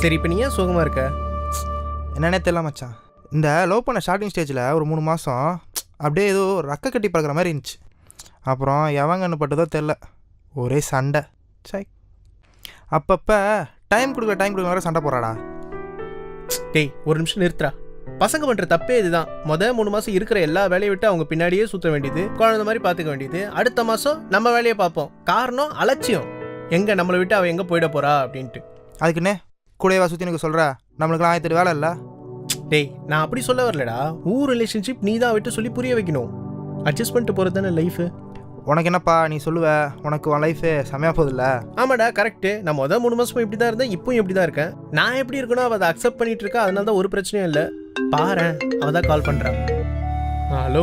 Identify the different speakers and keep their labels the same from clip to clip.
Speaker 1: சரி இப்போ நீ ஏன் சோகமாக இருக்க?
Speaker 2: என்னன்னே தெரியல மச்சான். இந்த லவ் பண்ண ஸ்டார்டிங் ஸ்டேஜில் ஒரு 3 மாதம் அப்படியே ஏதோ ரக்க கட்டி பார்க்குற மாதிரி இருந்துச்சு. அப்புறம் எவங்கன்னு பட்டதோ தெரில, ஒரே சண்டை. சை, அப்பப்போ டைம் கொடுக்க வர சண்டை போடுறாடா.
Speaker 1: டேய் ஒரு நிமிஷம் நிறுத்துறா. பசங்க பண்ணுற தப்பே இதுதான். 3 மாதம் இருக்கிற எல்லா வேலையை விட்டு அவங்க பின்னாடியே சுற்ற வேண்டியது, குழந்தை மாதிரி பார்த்துக்க வேண்டியது. அடுத்த மாதம் நம்ம வேலையை பார்ப்போம். காரணம் அலட்சியம். எங்கே நம்மளை விட்டு அவள் எங்கே போயிட போகிறா அப்படின்ட்டு.
Speaker 2: அதுக்குன்னே கூடவா சுற்றி எனக்கு சொல்கிற? நம்மளுக்குலாம் 1008 வேலை இல்லை.
Speaker 1: டேய் நான் அப்படி சொல்ல வரலடா. ரிலேஷன்ஷிப் நீ தான் விட்டு சொல்லி புரிய வைக்கணும். அட்ஜஸ்ட் பண்ணிட்டு போகிறது தானே லைஃபு.
Speaker 2: உனக்கு என்னப்பா நீ சொல்லுவ? உனக்கு உன் லைஃபு செம்மையாக போகுதுல்ல?
Speaker 1: ஆமாடா கரெக்டு. நான் 3 மாதமும் இப்படி தான் இருந்தேன், இப்பவும் இப்படி தான் இருக்கேன். நான் எப்படி இருக்கணும் அவள் அதை அக்செப்ட் பண்ணிட்டு இருக்கா. அதனால தான் ஒரு பிரச்சனையும் இல்லை. பாரு அவள் தான் கால் பண்ணுறான். Hello.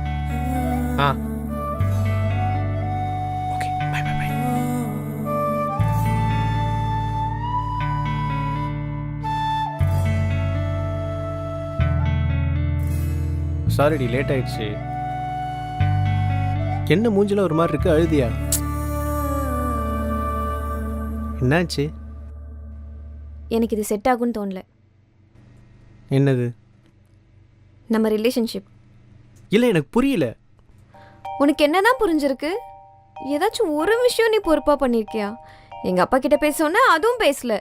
Speaker 1: Okay bye bye bye. சாரிடி லேட் ஆயிடுச்சு. என்ன மூஞ்சில ஒரு மாதிரி இருக்கு, அழுதியா? என்னாச்சு?
Speaker 3: எனக்கு இது செட் ஆகும்னு தோணல.
Speaker 1: என்னது?
Speaker 3: நம்ம ரிலேஷன்ஷிப்.
Speaker 1: இல்லை எனக்கு புரியல.
Speaker 3: உனக்கு என்னதான் புரிஞ்சிருக்கு? ஏதாச்சும் ஒரு விஷயம் நீ பொறுப்பா பண்ணிருக்கியா? எங்க அப்பா கிட்ட பேச அதுவும் பேசல.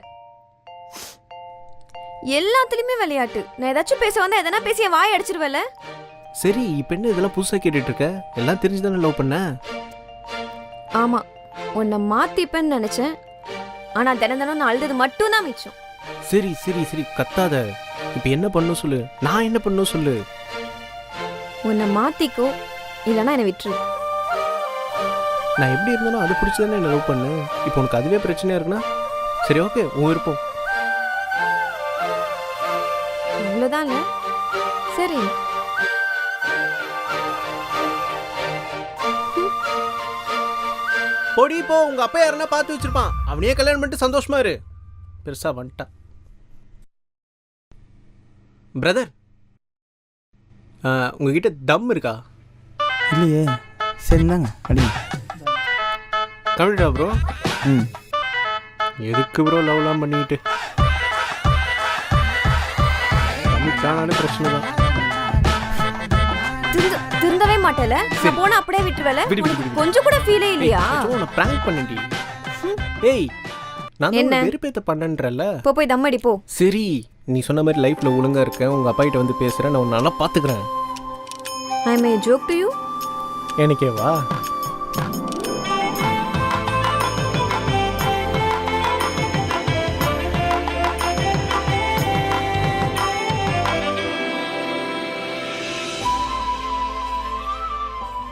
Speaker 3: எல்லாத்துலயுமே விளையாட்டு. நான் ஏதாச்சும் பேச வந்தா எதனா பேசி வாய் அடிச்சிருவல.
Speaker 1: சரி இப்போ என்ன இதெல்லாம் புதுசாக கேட்டுட்டு இருக்க? எல்லாம் தெரிஞ்சுதானே லவ் பண்ண?
Speaker 3: ஆமா, உன்னை மாத்திப்பேன்னு நினைச்சேன். ஆனா தினம் நான் அழுது மட்டும் தான் மிச்சம்.
Speaker 1: சரி சரி சரி கத்தாத. இப்போ என்ன பண்ணும் சொல்லு, நான் என்ன பண்ணும் சொல்லு.
Speaker 3: உன்னை மாத்திக்கோ, இல்லைன்னா என்னை விட்டுரு.
Speaker 1: நான் எப்படி இருந்தாலும் அது பிடிச்சதானே என்ன லவ் பண்ணு. இப்போ உனக்கு அதுவே பிரச்சனையா இருக்குன்னா சரி ஓகே, உன் விருப்பம்.
Speaker 3: அவ்வளோதான்ல. சரி
Speaker 1: பொடி போ. உங்க அப்பா யாருன்னா பார்த்து வச்சிருப்பான். அவனையே கல்யாணம் பண்ணிட்டு சந்தோஷமா இரு. பெருசா வந்துட்டான். பிரதர் உங்ககிட்ட தம் இருக்கா?
Speaker 2: இல்லையே. சரிந்தாங்க அடி.
Speaker 1: கம்மிட்டா ப்ரோ?
Speaker 2: ம்.
Speaker 1: எதுக்கு ப்ரோ லவ்லாம் பண்ணிக்கிட்டு? கம்மிட்டானாலும் பிரச்சனை தான்.
Speaker 3: திருந்தவே மாட்டேல. நான் போனா அப்படியே விட்டுருவேல. கொஞ்சம் கூட ஃபீலே இல்லையா?
Speaker 1: நான் பிராங்க் பண்ணேன்டி. ஏய் நான் என்ன வெறுப்பேத்த பண்ணன்றல.
Speaker 3: போய் தம் அடி போ.
Speaker 1: சரி நீ சொன்ன மாதிரி லைஃப்ல ஒழுங்கா இருக்கேன். உங்க அப்பா கிட்ட வந்து பேசுறேன். நான் உன்னை நல்லா பாத்துக்கிறேன்.
Speaker 3: I may joke to you.
Speaker 1: எனக்கே வா.